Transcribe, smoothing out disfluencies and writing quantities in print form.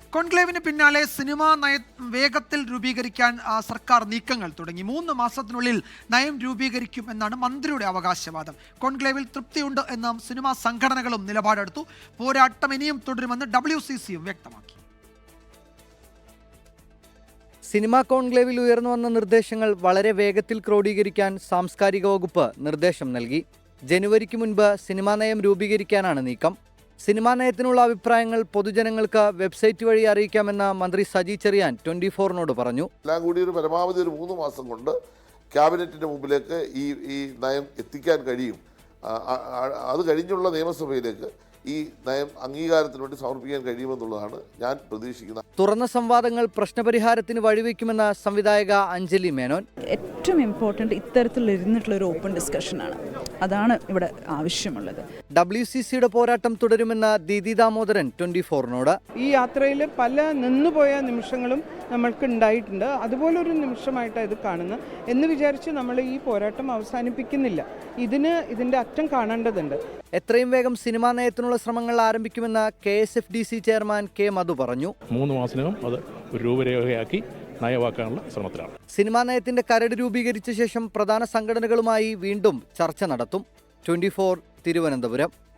കോൺക്ലേവിന് പിന്നാലെ സിനിമാ നയ വേഗത്തിൽ രൂപീകരിക്കാൻ സർക്കാർ നീക്കങ്ങൾ തുടങ്ങി. 3 മാസത്തിനുള്ളിൽ നയം രൂപീകരിക്കുമെന്നാണ് മന്ത്രിയുടെ അവകാശവാദം. കോൺക്ലേവിൽ തൃപ്തിയുണ്ട് എന്നും സിനിമാ സംഘടനകളും നിലപാടെടുത്തു. പോരാട്ടം ഇനിയും തുടരുമെന്ന് WCCയും വ്യക്തമാക്കി. സിനിമാ കോൺക്ലേവിൽ ഉയർന്നു വന്ന നിർദ്ദേശങ്ങൾ വളരെ വേഗത്തിൽ ക്രോഡീകരിക്കാൻ സാംസ്കാരിക വകുപ്പ് നിർദ്ദേശം നൽകി. ജനുവരിക്ക് മുൻപ് സിനിമാ നയം രൂപീകരിക്കാനാണ് നീക്കം. സിനിമാ നയത്തിനുള്ള അഭിപ്രായങ്ങൾ പൊതുജനങ്ങൾക്ക് വെബ്സൈറ്റ് വഴി അറിയിക്കാമെന്ന് മന്ത്രി സജി ചെറിയാൻ 24-നോട് പറഞ്ഞു. എല്ലാം കൂടി പരമാവധി 3 മാസം കൊണ്ട് ക്യാബിനറ്റിന്റെ മുമ്പിലേക്ക് ഈ നയം എത്തിക്കാൻ കഴിയും. അത് കഴിഞ്ഞുള്ള നിയമസഭയിലേക്ക് ഈ നയം അംഗീകാരത്തിന് വേണ്ടി സമർപ്പിക്കാൻ കഴിയുമെന്നുള്ളതാണ് ഞാൻ പ്രതീക്ഷിക്കുന്നത്. തുറന്ന സംവാദങ്ങൾ പ്രശ്നപരിഹാരത്തിന് വഴിവെക്കുമെന്ന സംവിധായക അഞ്ജലി മേനോൻ. ഏറ്റവും ഇമ്പോർട്ടൻ്റ് ഇത്തരത്തിലിരുന്നിട്ടുള്ള ഒരു ഓപ്പൺ ഡിസ്കഷനാണ്. അതാണ് ഇവിടെ ആവശ്യമുള്ളത്. WCCയുടെ പോരാട്ടം തുടരുമെന്ന ദീദി ദാമോദരൻ 24-നോട്. ഈ യാത്രയിൽ പല നിന്നുപോയ നിമിഷങ്ങളും നമ്മൾക്ക് ഉണ്ടായിട്ടുണ്ട്. അതുപോലൊരു നിമിഷമായിട്ടാണ് ഇത് കാണുന്നത് എന്ന് വിചാരിച്ച് നമ്മൾ ഈ പോരാട്ടം അവസാനിപ്പിക്കുന്നില്ല. ഇതിൻ്റെ അറ്റം കാണേണ്ടതുണ്ട്. എത്രയും വേഗം സിനിമാ നയത്തിനുള്ള ശ്രമങ്ങൾ ആരംഭിക്കുമെന്ന് KSFDC ചെയർമാൻ K. മധു പറഞ്ഞു. 3 മാസത്തിനകം അത് ഒരു രൂപരേഖയാക്കി നയമാക്കാനുള്ള ശ്രമത്തിലാണ്. സിനിമാ നയത്തിന്റെ കരട് രൂപീകരിച്ച ശേഷം പ്രധാന സംഘടനകളുമായി വീണ്ടും ചർച്ച നടത്തും. 24 തിരുവനന്തപുരം.